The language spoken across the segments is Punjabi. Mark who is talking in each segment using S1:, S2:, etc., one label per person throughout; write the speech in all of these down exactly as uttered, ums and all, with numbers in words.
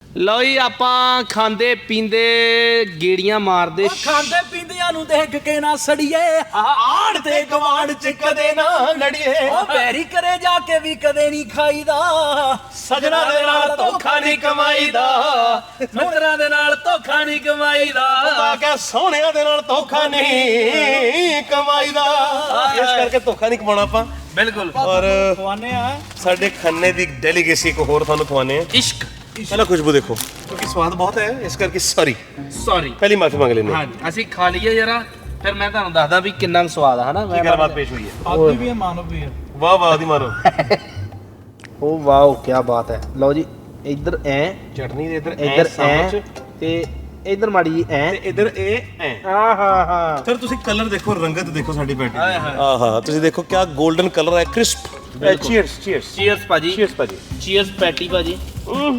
S1: लो जी आपां खांदे पींदे गेड़ियां मारदे
S2: खांदे पींदियां नूं देख के ना सड़िए आड़ ते गवाड़ च कदे ना लड़िए ओ बैरी करे जाके भी कदे नहीं खाईदा सजना दे नाल धोखा नहीं कमाईदा मित्तरां दे नाल धोखा नहीं कमाईदा
S3: मैं क्या सोहणियां दे नाल धोखा नहीं कमाईदा इस करके धोखा नहीं कमाउणा आपां
S1: बिल्कुल
S3: और
S2: खवाने आ
S3: साडे खन्ने दी डेलीगेसी को होर तुहानूं खवाने आ
S1: इश्क
S3: पहला खुशबू देखो क्योंकि स्वाद बहुत है इस करके सॉरी
S1: सॉरी
S3: पहली माफी मांग लेने
S1: हाँ जी ਅਸੀਂ ਖਾ ਲਈਏ ਜਰਾ ਫਿਰ ਮੈਂ ਤੁਹਾਨੂੰ ਦੱਸਦਾ ਵੀ ਕਿੰਨਾ ਸਵਾਦ ਆ ਹਨਾ
S3: ਕੀ ਗੱਲਬਾਤ ਪੇਸ਼ ਹੋਈ ਹੈ
S2: ਆਦਮੀ ਵੀ ਹੈ ਮਾਨਵ ਵੀ ਹੈ
S3: ਵਾਹ ਵਾਹ ਦੀ ਮਾਰੋ
S1: ਓ ਵਾਓ ਕੀ ਬਾਤ ਹੈ ਲਓ ਜੀ ਇੱਧਰ ਐ
S3: ਚਟਨੀ ਦੇ ਇੱਧਰ
S1: ਇੱਧਰ ਐ ਤੇ ਇੱਧਰ ਮਾੜੀ ਜੀ ਐ
S3: ਤੇ ਇੱਧਰ ਇਹ ਐ
S1: ਆ ਹਾਂ ਹਾਂ
S3: ਸਰ ਤੁਸੀਂ ਕਲਰ ਦੇਖੋ ਰੰਗਤ ਦੇਖੋ ਸਾਡੀ ਪੈਟੀ ਦੀ ਆਹਾ ਤੁਸੀਂ ਦੇਖੋ ਕਿਆ 골ਡਨ ਕਲਰ ਹੈ ਕ੍ਰਿਸਪ ਚੀਅਰਸ ਚੀਅਰਸ
S1: ਚੀਅਰਸ ਭਾਜੀ
S3: ਚੀਅਰਸ ਭਾਜੀ
S1: ਚੀਅਰਸ ਪੈਟੀ ਭਾਜੀ ਹੂੰ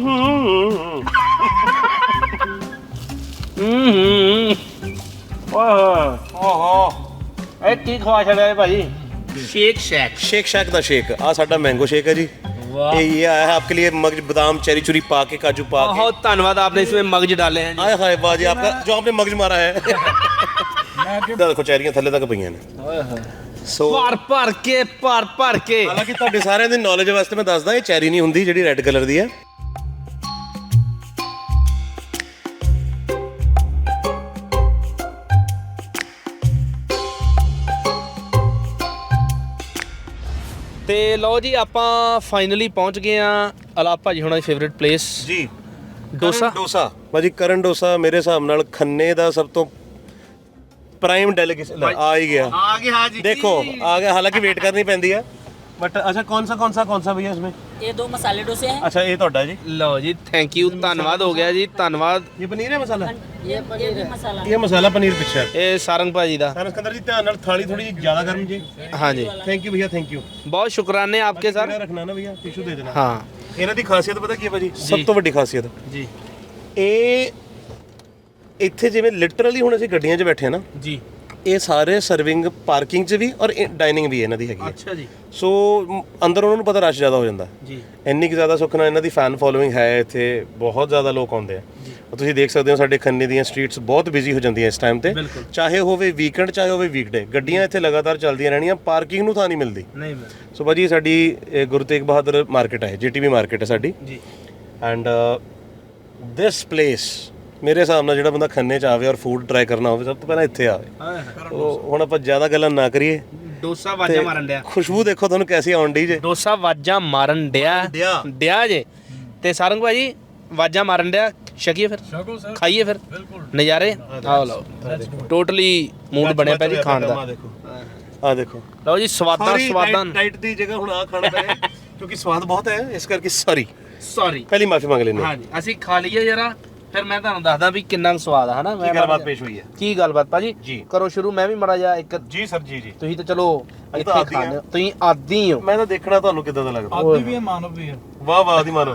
S1: ਓਹ ਓਹ ਇਹ ਕੀ ਖਵਾ ਛੜਿਆ ਭਾਜੀ ਸ਼ੇਕ ਸ਼ੈਕ
S3: शेक शैक ਦਾ ਸ਼ੇਕ ਆ ਸਾਡਾ ਮੈਂਗੋ ਸ਼ੇਕ ਹੈ जी
S1: वाह
S3: ये ये आया है आपके लिए मगज बादाम चेरी चुरी पा के काजू पा के
S1: बहुत धन्यवाद आपने इसमें मगज डाले हैं
S3: आए हाय बाजी आपका जो आपने मगज मारा है देखो चेरियां थल्ले तक पईयां ने सो
S1: ਭਰ ਭਰ ਕੇ ਭਰ ਭਰ ਕੇ
S3: ਹਾਲਾਂਕਿ ਤੁਹਾਡੇ ਸਾਰਿਆਂ ਦੀ ਨੌਲੇਜ ਵਾਸਤੇ ਮੈਂ ਦੱਸਦਾ ਇਹ ਚੈਰੀ ਨਹੀਂ ਹੁੰਦੀ ਜਿਹੜੀ ਰੈੱਡ ਕਲਰ ਦੀ ਹੈ
S1: ਤੇ ਲਓ ਜੀ ਆਪਾਂ ਫਾਈਨਲੀ ਪਹੁੰਚ ਗਏ ਆ ਅਲਾਪ ਭਾਜੀ ਹੁਣਾਂ ਦੀ ਫੇਵਰਿਟ ਪਲੇਸ
S3: ਜੀ
S1: ਡੋਸਾ
S3: ਡੋਸਾ ਬਾਜੀ ਕਰਨ ਡੋਸਾ ਮੇਰੇ ਹਿਸਾਬ ਨਾਲ ਖੰਨੇ ਦਾ ਸਭ ਤੋਂ ਪ੍ਰਾਈਮ ਡੈਲੀਗੇਸ਼ਨ ਆ ਹੀ ਗਿਆ
S1: ਆ ਗਿਆ ਹਾਂ ਜੀ
S3: देखो आ गया हालांकि वेट करनी पैंदी है बट अच्छा कौन सा कौन सा कौन सा भैया इसमें
S4: ये दो मसाले डोसे हैं।
S3: अच्छा ये ਤੁਹਾਡਾ जी
S1: ਲਓ ਜੀ ਥੈਂਕ ਯੂ ਧੰਨਵਾਦ ਹੋ ਗਿਆ ਜੀ ਧੰਨਵਾਦ
S3: ये पनीर है मसाला
S4: ये ये भी मसाला
S3: ये मसाला पनीर पिक्चर है
S1: ਇਹ ਸਾਰੰਗ ਭਾਜੀ ਦਾ
S3: सर सिकंदर जी ध्यान नाल थाली थोड़ी ज्यादा गर्म जी
S1: ਹਾਂਜੀ
S3: थैंक यू भैया थैंक यू
S1: ਬਹੁਤ ਸ਼ੁਕਰਾਨੇ ਆਪਕੇ ਸਰ
S3: रखना ना भैया टिश्यू दे देना
S1: ਹਾਂ
S3: ਇਹਨਾਂ ਦੀ ਖਾਸੀਅਤ ਪਤਾ ਕੀ ਹੈ ਭਾਜੀ ਸਭ ਤੋਂ ਵੱਡੀ ਖਾਸੀਅਤ
S1: ਜੀ
S3: ਇਹ ਇੱਥੇ ਜਿਵੇਂ ਲਿਟਰਲੀ ਹੁਣ ਅਸੀਂ ਗੱਡੀਆਂ 'ਚ ਬੈਠੇ ਆ ਨਾ
S1: ਜੀ
S3: ਇਹ ਸਾਰੇ ਸਰਵਿੰਗ ਪਾਰਕਿੰਗ 'ਚ ਵੀ ਔਰ ਡਾਈਨਿੰਗ ਵੀ ਇਹਨਾਂ ਦੀ ਹੈਗੀ ਹੈ
S1: ਅੱਛਾ ਜੀ
S3: ਸੋ ਮ, ਅੰਦਰ ਉਹਨਾਂ ਨੂੰ ਪਤਾ ਰਸ਼ ਜ਼ਿਆਦਾ ਹੋ ਜਾਂਦਾ
S1: ਜੀ
S3: ਇੰਨੀ ਕਿ ਜ਼ਿਆਦਾ ਸੁੱਖ ਨਾਲ ਇਹਨਾਂ ਦੀ ਫੈਨ ਫੋਲੋਇੰਗ ਹੈ ਇੱਥੇ ਬਹੁਤ ਜ਼ਿਆਦਾ ਲੋਕ ਆਉਂਦੇ ਆ ਤੁਸੀਂ ਦੇਖ ਸਕਦੇ ਹੋ ਸਾਡੇ ਖੰਨੇ ਦੀਆਂ ਸਟਰੀਟਸ ਬਹੁਤ ਬਿਜ਼ੀ ਹੋ ਜਾਂਦੀਆਂ ਇਸ ਟਾਈਮ ਤੇ ਚਾਹੇ ਹੋਵੇ ਵੀਕਐਂਡ ਚਾਹੇ ਹੋਵੇ ਵੀਕਡੇ ਗੱਡੀਆਂ ਇੱਥੇ ਲਗਾਤਾਰ ਚੱਲਦੀਆਂ ਰਹਿਣੀਆਂ ਪਾਰਕਿੰਗ ਨੂੰ ਥਾਂ ਨਹੀਂ ਮਿਲਦੀ
S1: ਨਹੀਂ
S3: ਸੋ ਭਾਜੀ ਸਾਡੀ ਇਹ ਗੁਰੂ ਤੇਗ ਬਹਾਦਰ ਮਾਰਕੀਟ ਹੈ ਜੀਟੀਵੀ ਮਾਰਕੀਟ ਹੈ ਸਾਡੀ
S1: ਜੀ
S3: ਐਂਡ ਦਿਸ ਪਲੇਸ ਮੇਰੇ ਹਿਸਾਬ ਨਾਲ ਜਿਹੜਾ ਬੰਦਾ ਖੰਨੇ 'ਚ ਆਵੇ ਔਰ ਫੂਡ ਟਰਾਈ ਕਰਨਾ ਹੋਵੇ ਸਭ ਤੋਂ ਪਹਿਲਾਂ ਇੱਥੇ ਆਵੇ ਉਹ ਹੁਣ ਆਪਾਂ ਜ਼ਿਆਦਾ ਗੱਲਾਂ ਨਾ ਕਰੀਏ
S1: ਡੋਸਾ ਵਾਜਾ ਮਾਰਨ ਡਿਆ
S3: ਖੁਸ਼ਬੂ ਦੇਖੋ ਤੁਹਾਨੂੰ ਕੈਸੀ ਆਉਣ ਡਈ ਜੇ
S1: ਡੋਸਾ ਵਾਜਾ ਮਾਰਨ ਡਿਆ
S3: ਡਿਆ।
S1: ਡਿਆ ਜੇ ਤੇ ਸਾਰੰਗ ਭਾਜੀ ਵਾਜਾ ਮਾਰਨ ਡਿਆ ਛਕੀਏ ਫਿਰ
S2: ਸ਼ਕੋ ਸਰ
S1: ਖਾਈਏ ਫਿਰ ਨਜ਼ਾਰੇ ਆਓ ਲਓ ਟੋਟਲੀ ਮੂਡ ਬਣਿਆ ਪਿਆ ਜੀ ਖਾਣ ਦਾ
S3: ਆਹ ਦੇਖੋ ਆਹ ਦੇਖੋ
S1: ਲਓ ਜੀ ਸਵਾਦਾਂ ਸਵਾਦਾਂ
S3: ਡਾਈਟ ਦੀ ਜਗ੍ਹਾ ਹੁਣ ਆ ਖਾਣਾ ਪਏ ਕਿਉਂਕਿ ਸਵਾਦ ਬਹੁਤ ਹੈ ਇਸ ਕਰਕੇ ਸੌਰੀ
S1: ਸੌਰੀ
S3: ਪਹਿਲੀ ਮਾਫੀ ਮੰਗ ਲੈਂਦੇ
S1: ਹਾਂਜੀ ਅਸੀਂ ਖਾ ਲਈਏ ਜਰਾ ਫਿਰ ਮੈਂ ਤੁਹਾਨੂੰ ਦੱਸਦਾ ਵੀ ਕਿੰਨਾ ਸਵਾਦ ਆ ਹਨਾ
S3: ਕੀ ਗੱਲਬਾਤ ਪੇਸ਼ ਹੋਈ ਹੈ
S1: ਕੀ ਗੱਲਬਾਤ ਭਾਜੀ
S3: ਜੀ।
S1: ਕਰੋ ਸ਼ੁਰੂ ਮੈਂ ਵੀ ਮੜਾ ਜਾ ਇੱਕ
S3: ਜੀ ਸਰ ਜੀ ਜੀ
S1: ਤੁਸੀਂ ਤਾਂ ਚਲੋ
S3: ਅਸੀਂ ਤਾਂ
S1: ਇੱਥੇ
S3: ਆਦੀ
S1: ਖਾਣੇ ਤੁਸੀਂ ਆਦੀ ਹੋ
S3: ਮੈਂ ਤਾਂ ਦੇਖਣਾ ਤੁਹਾਨੂੰ ਕਿੱਦਾਂ ਦਾ ਲੱਗਦਾ
S2: ਆਦਮੀ ਵੀ ਹੈ ਮਾਨਵ ਵੀ ਹੈ
S3: ਵਾਹ ਵਾਹ ਦੀ ਮਾਰੋ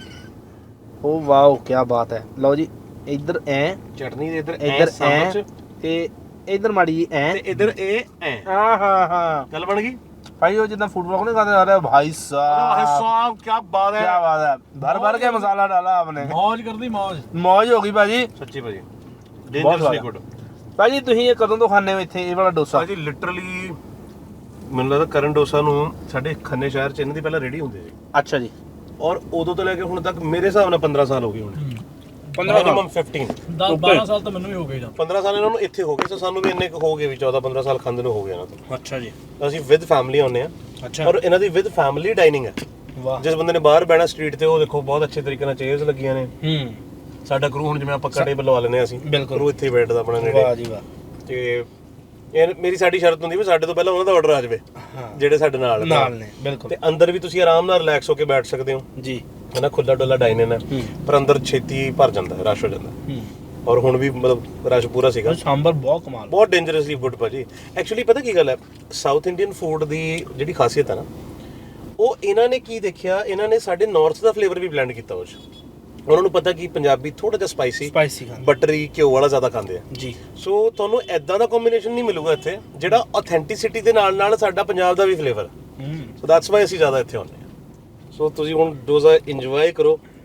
S1: ਓ ਵਾਓ ਕੀ ਬਾਤ ਹੈ ਲਓ ਜੀ ਇੱਧਰ ਐ
S3: ਚਟਨੀ ਦੇ ਇੱਧਰ
S1: ਇੱਧਰ ਐ ਤੇ ਇੱਧਰ ਮਾੜੀ ਜੀ ਐ
S3: ਤੇ ਇੱਧਰ ਇਹ ਐ
S1: ਆ ਹਾਂ ਹਾਂ
S3: ਗੱਲ ਬਣ ਗਈ
S1: ਭਾਈ ਉਹ ਜਿੱਦਾਂ ਫੂਡ ਬਲੌਗ ਨਹੀਂ ਕਰਦੇ ਆ ਰਹੇ ਭਾਈ ਸਾਹਿਬ
S3: ਸਾਹਿਬ ਕੀ ਬਾਤ ਹੈ
S1: क्या बात है भर भर के मसाला डाला आपने
S2: ਮौज ਕਰਦੀ ਮौज
S1: मौज हो गई भाजी
S3: ਸੱਚੀ ਭਾਜੀ
S1: ਬਹੁਤ
S3: ਡੇਂਜਰਸਲੀ
S1: ਸਵਾਦ।
S3: ਗੁੱਡ
S1: ਭਾਜੀ ਤੁਸੀਂ ਇਹ ਕਦੋਂ ਤੋਂ ਖਾਣੇ ਹੋ ਇੱਥੇ ਇਹ ਵਾਲਾ ਡੋਸਾ
S3: ਭਾਜੀ ਲਿਟਰਲੀ ਮੈਨੂੰ ਲੱਗਦਾ ਕਰਨ ਡੋਸਾ ਨੂੰ ਸਾਡੇ ਖੰਨੇ ਸ਼ਹਿਰ ਚ ਇਹਨਾਂ ਦੀ ਪਹਿਲਾਂ ਰੇੜੀ ਹੁੰਦੀ ਸੀ
S1: ਅੱਛਾ ਜੀ
S3: ਔਰ ਉਦੋਂ ਤੋਂ ਲੈ ਕੇ ਹੁਣ ਤੱਕ ਮੇਰੇ ਹਿਸਾਬ ਨਾਲ ਪੰਦਰਾਂ ਸਾਲ ਹੋ ਗਏ ਹੁਣ
S1: ਪੰਦਰਾਂ ਸਾਲ।
S3: ਮਿਨੀਮਮ ਪੰਦਰਾਂ
S2: ਦਸ ਬਾਰਾਂ ਸਾਲ ਤਾਂ ਮੈਨੂੰ ਵੀ ਹੋ ਗਏ ਜਾਂ
S3: ਪੰਦਰਾਂ ਸਾਲ ਇਹਨਾਂ ਨੂੰ ਇੱਥੇ ਹੋ ਗਏ ਸੋ ਸਾਨੂੰ ਵੀ ਇੰਨੇ ਕੁ ਹੋ ਗਏ ਵੀ ਚੌਦਾਂ ਪੰਦਰਾਂ ਸਾਲ ਖਾਂਦੇ ਨੂੰ ਹੋ ਗਏ ਇਹਨਾਂ ਤੋਂ
S1: ਅੱਛਾ ਜੀ
S3: ਅਸੀਂ ਵਿਦ ਫੈਮਿਲੀ ਆਉਂਦੇ ਆ
S1: ਅੱਛਾ
S3: ਔਰ ਇਹਨਾਂ ਦੀ ਵਿਦ ਫੈਮਿਲੀ ਡਾਈਨਿੰਗ ਹੈ
S1: ਵਾਹ
S3: ਜਿਸ ਬੰਦੇ ਨੇ ਬਾਹਰ ਬਹਿਣਾ ਸਟਰੀਟ ਤੇ ਉਹ ਦੇਖੋ ਬਹੁਤ ਅੱਛੇ ਤਰੀਕੇ ਨਾਲ ਚੇਅਰਸ ਲੱਗੀਆਂ ਨੇ
S1: ਹੂੰ
S3: ਸਾਡਾ ਕਰੂ ਹੁਣ ਜਿਵੇਂ ਆਪਾਂ ਕੜੇ ਬਲਵਾ ਲੈਨੇ ਆ ਅਸੀਂ
S1: ਬਿਲਕੁਲ।
S3: ਕਰੂ ਇੱਥੇ ਹੀ ਬੈਠਦਾ ਆਪਣਾ
S1: ਵਾਹ
S3: ਨੇੜੇ
S1: ਜੀ ਵਾਹ
S3: ਤੇ ਇਹ ਮੇਰੀ ਸਾਡੀ ਸ਼ਰਤ ਹੁੰਦੀ ਵੀ ਸਾਡੇ ਤੋਂ ਪਹਿਲਾਂ ਉਹਨਾਂ ਦਾ ਆਰਡਰ ਆ ਜਾਵੇ ਜਿਹੜੇ ਸਾਡੇ ਨਾਲ ਨੇ।
S1: ਨਾਲ ਨੇ ਬਿਲਕੁਲ
S3: ਤੇ ਅੰਦਰ ਵੀ ਤੁਸੀਂ ਆਰਾਮ ਨਾਲ ਰਿਲੈਕਸ ਹੋ ਕੇ ਬੈਠ ਸਕਦੇ ਹੋ
S1: ਜੀ
S3: ਹਨਾ ਖੁੱਲਾ ਡੁੱਲਾ ਡਾਈਨਿੰਗ ਹੈ ਪਰ ਅੰਦਰ ਛੇਤੀ ਭਰ ਜਾਂਦਾ ਰਸ਼ ਹੋ ਜਾਂਦਾ
S1: ਹੂੰ
S3: ਔਰ ਹੁਣ ਵੀ ਮਤਲਬ ਰਸ਼ ਪੂਰਾ ਸੀਗਾ
S1: ਸਾਂਬਰ ਬਹੁਤ ਕਮਾਲ
S3: ਬਹੁਤ ਡੇਂਜਰਸਲੀ ਗੁੱਡ ਭਾਜੀ ਐਕਚੁਅਲੀ ਪਤਾ ਕੀ ਗੱਲ ਹੈ ਸਾਊਥ ਇੰਡੀਅਨ ਫੂਡ ਦੀ ਜਿਹੜੀ ਖਾਸੀਅਤ ਹੈ ਨਾ ਉਹ ਇਹਨਾਂ ਨੇ ਕੀ ਦੇਖਿਆ ਇਹਨਾਂ ਨੇ ਸਾਡੇ ਨਾਰਥ ਦਾ ਫਲੇਵਰ ਵੀ ਬਲੈਂਡ ਕੀਤਾ ਉਸ ਉਹਨਾਂ ਨੂੰ ਪਤਾ ਕਿ ਪੰਜਾਬੀ ਥੋੜਾ ਜਿਹਾ ਸਪਾਈਸੀ
S1: ਸਪਾਈਸੀ ਖਾਣਾ
S3: ਬਟਰੀ ਘਿਓ ਵਾਲਾ ਜ਼ਿਆਦਾ ਖਾਂਦੇ ਆ
S1: ਜੀ
S3: ਸੋ ਤੁਹਾਨੂੰ ਐਦਾਂ ਦਾ ਕੰਬੀਨੇਸ਼ਨ ਨਹੀਂ ਮਿਲੂਗਾ ਇੱਥੇ ਜਿਹੜਾ ਆਥੈਂਟਿਸਿਟੀ ਦੇ ਨਾਲ ਨਾਲ ਸਾਡਾ ਪੰਜਾਬ ਦਾ ਵੀ ਫਲੇਵਰ
S1: ਹੂੰ
S3: ਸੋ ਦੈਟਸ ਵਾਈ ਅਸੀਂ ਜ਼ਿਆਦਾ ਇੱਥੇ ਆਉਂਦੇ ਹਾਂ ਸੋ ਤੁਸੀਂ ਹੁਣ ਡੋਜ਼ਾ ਇੰਜੋਏ ਕਰੋ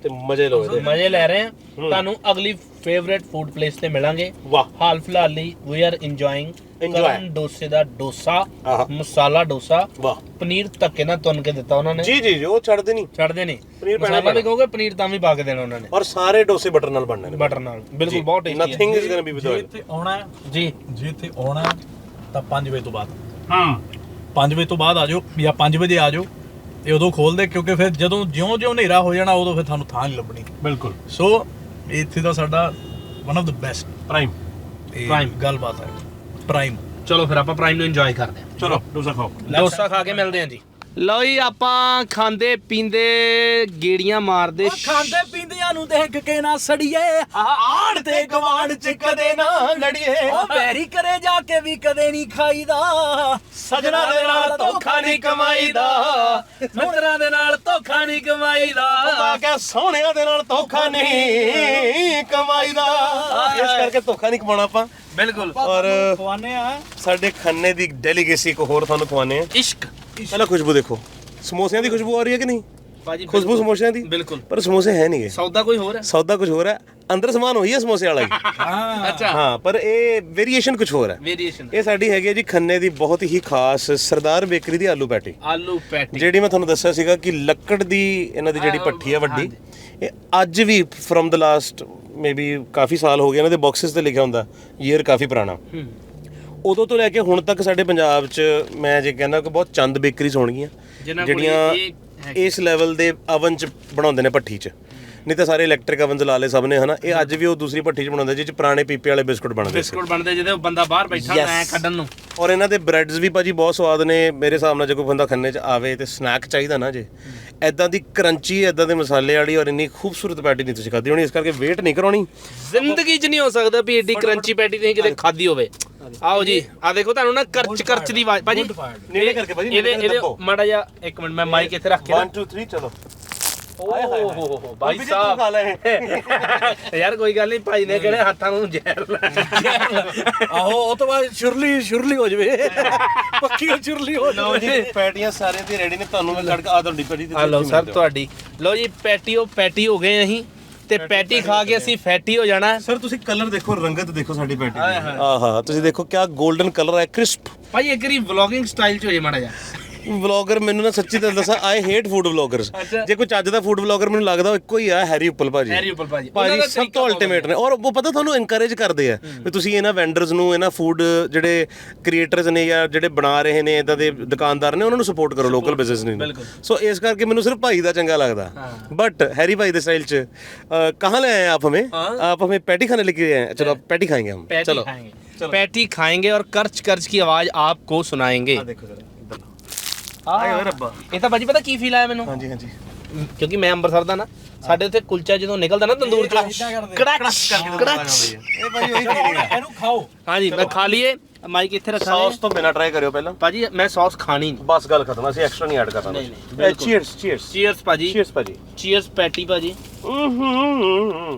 S3: ਤੇ ਮਜ਼ੇ ਲਓ ਇਹਦੇ
S1: ਮਜ਼ੇ ਲੈ ਰਹੇ ਹਾਂ ਤੁਹਾਨੂੰ ਅਗਲੀ ਫੇਵਰੇਟ ਫੂਡ ਪਲੇਸ ਤੇ ਮਿਲਾਂਗੇ
S3: ਵਾਹ
S1: ਹਾਲ ਫਿਲਹਾਲ ਲਈ ਵੀ ਆਰ ਇੰਜੋਇੰਗ
S3: Enjoy.
S1: ਕਰਨ ਡੋਸੇ ਦਾ ਡੋਸਾ
S3: ਆਹਾ।
S1: ਮਸਾਲਾ ਡੋਸਾ
S3: ਵਾਹ
S1: ਪਨੀਰ ਧੱਕੇ ਨਾਲ ਤੁੰਨ ਕੇ ਦਿੱਤਾ ਉਹਨਾਂ ਨੇ
S3: ਜੀ ਜੀ ਜੀ ਉਹ ਛੱਡਦੇ ਨਹੀਂ
S1: ਛੱਡਦੇ ਨਹੀਂ
S3: ਪਨੀਰ ਪੈਣਾ
S1: ਮਸਾਲਾ ਵੀ ਕਹੋਗੇ ਪਨੀਰ ਤਾਂ ਵੀ ਪਾ ਕੇ ਦੇਣਾ ਉਹਨਾਂ ਨੇ
S3: ਔਰ ਸਾਰੇ ਡੋਸੇ ਬਟਰ ਨਾਲ ਬਣਨੇ ਨੇ
S1: ਬਟਰ ਨਾਲ ਬਿਲਕੁਲ ਬਹੁਤ tasty
S3: nothing is going to be with
S2: J
S3: oil
S2: ਇੱਥੇ ਆਉਣਾ ਹੈ
S1: ਜੀ
S2: ਜੇ ਇੱਥੇ ਆਉਣਾ ਹੈ ਤਾਂ ਪੰਜ ਵਜੇ ਤੋਂ ਬਾਅਦ
S1: ਹਾਂ
S2: ਪੰਜ ਵਜੇ ਤੋਂ ਬਾਅਦ ਆ ਜਾਓ ਜਾਂ ਪੰਜ ਵਜੇ ਆ ਜਾਓ ਤੇ ਉਦੋਂ ਖੋਲਦੇ ਕਿਉਂਕਿ ਫਿਰ ਜਦੋਂ ਜਿਉਂ-ਜਿਉਂ ਹਨੇਰਾ ਹੋ ਜਾਣਾ ਉਦੋਂ ਫਿਰ ਤੁਹਾਨੂੰ ਥਾਂ ਨਹੀਂ ਲੱਭਣੀ
S3: ਬਿਲਕੁਲ
S2: ਸੋ ਇੱਥੇ ਦਾ ਸਾਡਾ one of the best
S3: prime
S2: prime ਗੱਲਬਾਤ ਹੈ ਪ੍ਰਾਈਮ
S1: ਚਲੋ ਫਿਰ ਆਪਾਂ ਪ੍ਰਾਈਮ ਨੂੰ ਇੰਜੋਏ ਕਰਦੇ ਹਾਂ
S3: ਚਲੋ ਡੋਸਾ ਖਾਓ
S1: ਡੋਸਾ ਖਾ ਕੇ ਮਿਲਦੇ ਹਾਂ ਜੀ ਲਓ ਜੀ ਆਪਾਂ ਖਾਂਦੇ ਪੀਂਦੇ ਗੇੜੀਆਂ ਮਾਰਦੇ
S2: ਖਾਂਦੇ ਪੀਂਦਿਆਂ ਨੂੰ ਦੇਖ ਕੇ ਨਾ ਸੜੀਏ ਆੜ ਤੇ ਗਵਾਂਡ ਚ ਕਦੇ ਨਾ ਲੜੀਏ ਉਹ ਬੈਰੀ ਕਰੇ ਜਾ ਕੇ ਵੀ ਕਦੇ ਨਹੀਂ ਖਾਈਦਾ ਸਜਣਾ ਦੇ ਨਾਲ ਧੋਖਾ ਨਹੀਂ ਕਮਾਈਦਾ ਮਿੱਤਰਾਂ ਦੇ ਨਾਲ ਧੋਖਾ ਨਹੀਂ ਕਮਾਈਦਾ
S3: ਮੈਂ ਕਿਹਾ ਸੋਹਣਿਆਂ ਦੇ ਨਾਲ ਧੋਖਾ ਨਹੀਂ ਕਮਾਈਦਾ ਇਸ ਕਰਕੇ ਧੋਖਾ ਨਹੀਂ ਕਮਾਉਣਾ ਆਪਾਂ
S1: ਬਿਲਕੁਲ
S3: ਔਰ
S2: ਖਵਾਨੇ ਆ
S3: ਸਾਡੇ ਖੰਨੇ ਦੀ ਡੈਲੀਗੇਸੀ ਇੱਕ ਹੋਰ ਤੁਹਾਨੂੰ ਖਵਾਨੇ ਆ
S1: ਇਸ਼ਕ
S3: ਪਹਿਲਾਂ ਖੁਸ਼ਬੂ ਦੇਖੋ ਸਮੋਸਿਆਂ ਦੀ ਖੁਸ਼ਬੂ ਆ ਰਹੀ ਹੈ ਕਿ ਨਹੀਂ
S1: ਭਾਜੀ
S3: ਖੁਸ਼ਬੂ ਸਮੋਸਿਆਂ ਦੀ
S1: ਬਿਲਕੁਲ
S3: ਪਰ ਸਮੋਸੇ ਹੈ ਨਹੀਂਗੇ
S1: ਸੌਦਾ ਕੋਈ ਹੋਰ ਹੈ
S3: ਸੌਦਾ ਕੁਝ ਹੋਰ ਹੈ ਅੰਦਰ ਸਮਾਨ ਉਹੀ ਹੈ ਸਮੋਸੇ ਵਾਲਾ ਹੀ
S2: ਹਾਂ
S1: ਅੱਛਾ
S3: ਹਾਂ ਪਰ ਇਹ ਵੇਰੀਏਸ਼ਨ ਕੁਝ ਹੋਰ ਹੈ
S1: ਵੇਰੀਏਸ਼ਨ
S3: ਇਹ ਸਾਡੀ ਹੈਗੀ ਹੈ ਜੀ ਖੰਨੇ ਦੀ ਬਹੁਤ ਹੀ ਖਾਸ ਸਰਦਾਰ ਬੇਕਰੀ ਦੀ ਆਲੂ ਪੈਟੀ
S1: ਆਲੂ ਪੈਟੀ
S3: ਜਿਹੜੀ ਮੈਂ ਤੁਹਾਨੂੰ ਦੱਸਿਆ ਸੀਗਾ ਕਿ ਲੱਕੜ ਦੀ ਇਹਨਾਂ ਦੀ ਜਿਹੜੀ ਭੱਠੀ ਹੈ ਵੱਡੀ ਇਹ ਅੱਜ ਵੀ ਫਰਮ ਦ ਲਾਸਟ ਮੇਬੀ ਕਾਫੀ ਸਾਲ ਹੋ ਗਏ ਇਹਨਾਂ ਦੇ ਬਾਕਸਸ ਤੇ ਲਿਖਿਆ ਹੁੰਦਾ ਈਅਰ ਕਾਫੀ ਪੁਰਾਣਾ ਉਦੋਂ ਤੋਂ ਲੈ ਕੇ ਹੁਣ ਤੱਕ ਸਾਡੇ ਪੰਜਾਬ 'ਚ ਮੈਂ ਜੇ ਕਹਿੰਦਾ ਕਿ ਬਹੁਤ ਚੰਦ ਬੇਕਰੀਜ਼ ਹੋਣਗੀਆਂ ਜਿਹੜੀਆਂ ਇਸ ਲੈਵਲ ਦੇ ਅਵਨ 'ਚ ਬਣਾਉਂਦੇ ਨੇ ਭੱਠੀ 'ਚ ਨਹੀਂ ਤਾਂ ਸਾਰੇ ਇਲੈਕਟ੍ਰਿਕ ਅਵਨਸ ਲਾ ਲਏ ਸਭ ਨੇ ਹਨਾ ਇਹ ਅੱਜ ਵੀ ਉਹ ਦੂਸਰੀ ਭੱਠੀ 'ਚ ਬਣਾਉਂਦੇ ਜਿਹ 'ਚ ਪੁਰਾਣੇ ਪੀਪੇ ਵਾਲੇ ਬਿਸਕੁਟ ਬਣਦੇ ਸੀ
S1: ਬਿਸਕੁਟ ਬਣਦੇ ਜਿਹਦੇ ਬੰਦਾ ਬਾਹਰ ਬੈਠਾ ਐ ਕੱਢਣ ਨੂੰ
S3: ਔਰ ਇਹਨਾਂ ਦੇ ਬ੍ਰੈਡਸ ਵੀ ਭਾਜੀ ਬਹੁਤ ਸਵਾਦ ਨੇ ਮੇਰੇ ਹਿਸਾਬ ਨਾਲ ਜੇ ਕੋਈ ਬੰਦਾ ਖੰਨੇ 'ਚ ਆਵੇ ਤੇ ਸਨੈਕ ਚਾਹੀਦਾ ਨਾ ਜੇ ਐਦਾਂ ਦੀ ਕਰੰਚੀ ਐਦਾਂ ਦੇ ਮਸਾਲੇ ਵਾਲੀ ਔਰ ਇੰਨੀ ਖੂਬਸੂਰਤ ਪੈਟੀ ਨਹੀਂ ਤੁਸੀਂ ਖਾਧੀ ਹੋਣੀ ਇਸ ਕਰਕੇ ਵੇਟ ਨਹੀਂ ਕਰਾਉਣੀ
S1: ਜ਼ਿੰਦਗੀ 'ਚ ਨਹੀਂ ਹੋ ਸਕਦਾ ਵੀ ਏਡੀ ਕਰੰਚੀ ਪੈਟੀ ਤੁਸੀਂ ਕਿਤੇ ਖਾਧੀ ਹੋਵੇ ਆਓ ਜੀ ਆ ਦੇਖੋ ਤੁਹਾਨੂੰ ਨਾ ਕਰਚ ਕਰਚ ਦੀ ਆਵਾਜ਼ ਭਾਜੀ
S3: ਨੇੜੇ ਕਰਕੇ ਭਾਜੀ
S1: ਇਹਦੇ ਇਹਦੇ ਮਾੜਾ ਜਿਹਾ ਇੱਕ ਮਿੰਟ ਮੈਂ ਮਾਈਕ ਇੱਥੇ ਰੱਖ ਕੇ
S3: one two three ਚਲੋ
S1: ਓਹ ਭਾਈ ਸਾਹਿਬ ਯਾਰ ਕੋਈ ਗੱਲ ਨਹੀਂ ਭਾਈ ਨੇ ਕਿਹੜੇ ਹੱਥਾਂ ਨੂੰ ਜ਼ਹਿਰ
S2: ਆਹੋ ਉਹ ਤੋਂ ਬਾਅਦ ਸ਼ੁਰਲੀ ਸ਼ੁਰਲੀ ਹੋ ਜਵੇ ਪੱਕੀ ਸ਼ੁਰਲੀ ਹੋ
S3: ਲਓ ਜੀ ਪੈਟੀਆਂ ਸਾਰਿਆਂ ਦੀ ਰੈਡੀ ਨੇ ਤੁਹਾਨੂੰ ਮੈਂ ਕੱਢ ਕੇ ਆ ਤੁਹਾਡੀ ਪੈਟੀ
S1: ਆ ਲਓ ਸਰ ਤੁਹਾਡੀ ਲਓ ਜੀ ਪੈਟੀਓ ਪੈਟੀ ਹੋ ਗਏ ਅਸੀਂ ਤੇ ਪੈਟੀ ਖਾ ਕੇ ਅਸੀਂ ਫੈਟੀ ਹੋ ਜਾਣਾ
S3: ਸਰ ਤੁਸੀਂ ਕਲਰ ਦੇਖੋ ਰੰਗਤ ਦੇਖੋ ਸਾਡੀ ਪੈਟੀ ਦੀ ਆਹਾ ਤੁਸੀਂ ਦੇਖੋ ਕਿਆ 골ਡਨ ਕਲਰ ਹੈ ਕ੍ਰਿਸਪ
S1: ਭਾਈ ਇੱਕ ਵਾਰੀ ਵਲੌਗਿੰਗ ਸਟਾਈਲ ਚ ਹੋ ਜੇ ਮਾੜਾ ਜਿਹਾ
S3: ਵਲੌਗਰ ਮੈਨੂੰ ਨਾ ਸੱਚੀ ਤਾਂ ਦੱਸਾਂ ਆਈ ਹੇਟ ਫੂਡ ਵਲੌਗਰਸ ਜੇ ਕੋਈ ਚੱਜ ਦਾ ਫੂਡ ਵਲੌਗਰ ਮੈਨੂੰ ਲੱਗਦਾ ਉਹ ਇੱਕੋ ਹੀ ਆ ਹੈਰੀ ਉੱਪਲ ਭਾਜੀ
S1: ਹੈਰੀ ਉੱਪਲ ਭਾਜੀ
S3: ਭਾਜੀ ਸਭ ਤੋਂ ਅਲਟੀਮੇਟ ਨੇ ਔਰ ਉਹ ਪਤਾ ਤੁਹਾਨੂੰ ਇਨਕਰੇਜ ਕਰਦੇ ਆ ਵੀ ਤੁਸੀਂ ਇਹਨਾਂ ਵੈਂਡਰਸ ਨੂੰ ਇਹਨਾਂ ਫੂਡ ਜਿਹੜੇ ਕ੍ਰੀਏਟਰਸ ਨੇ ਜਾਂ ਜਿਹੜੇ ਬਣਾ ਰਹੇ ਨੇ ਇਦਾਂ ਦੇ ਦੁਕਾਨਦਾਰ ਨੇ ਉਹਨਾਂ ਨੂੰ ਸਪੋਰਟ ਕਰੋ ਲੋਕਲ ਬਿਜ਼ਨਸ ਨੂੰ ਸੋ ਇਸ ਕਰਕੇ ਮੈਨੂੰ ਸਿਰਫ ਭਾਈ ਦਾ ਚੰਗਾ ਲੱਗਦਾ ਬਟ ਹੈਰੀ ਭਾਈ ਦੇ ਸਟਾਈਲ ਚ ਕਹਾਂ ਲੈ ਆਏ ਆਪ ਹमें आप हमें पैटी खाने लेके आए हैं चलो पैटी खाएंगे हम चलो
S1: पैटी खाएंगे और कर्च कर्च की आवाज आपको सुनाएंगे
S3: देखो जरा
S1: ਆਏ ਓਏ ਰੱਬਾ ਇਹ ਤਾਂ ਭਾਜੀ ਪਤਾ ਕੀ ਫੀਲ ਆਇਆ ਮੈਨੂੰ
S3: ਹਾਂਜੀ ਹਾਂਜੀ
S1: ਕਿਉਂਕਿ ਮੈਂ ਅੰਮ੍ਰਿਤਸਰ ਦਾ ਨਾ ਸਾਡੇ ਉੱਥੇ ਕੁਲਚਾ ਜਦੋਂ ਨਿਕਲਦਾ ਨਾ ਤੰਦੂਰ ਚੋਂ ਕੜਕ ਕੜਕ
S3: ਇਹ ਭਾਈ ਉਹੀ ਫੀਲਿੰਗ ਹੈ
S2: ਇਹਨੂੰ ਖਾਓ
S1: ਹਾਂਜੀ ਮੈਂ ਖਾ ਲਈਏ ਮਾਈਕ ਇੱਥੇ ਰੱਖਾਂ
S3: ਸੌਸ ਤੋਂ ਬਿਨਾ ਟਰਾਈ ਕਰਿਓ ਪਹਿਲਾਂ
S1: ਭਾਜੀ ਮੈਂ ਸੌਸ ਖਾਣੀ ਨਹੀਂ
S3: ਬਸ ਗੱਲ ਖਤਮ ਅਸੀਂ ਐਕਸਟਰਾ ਨਹੀਂ ਐਡ ਕਰਨਾ
S1: ਨਹੀਂ, ਨਹੀਂ, ਬਿਲਕੁਲ।
S3: ਚੀਅਰਸ ਚੀਅਰਸ
S1: ਚੀਅਰਸ ਭਾਜੀ
S3: ਚੀਅਰਸ ਭਾਜੀ
S1: ਚੀਅਰਸ ਪੈਟੀ ਭਾਜੀ
S3: ਹੂੰ
S1: ਹੂੰ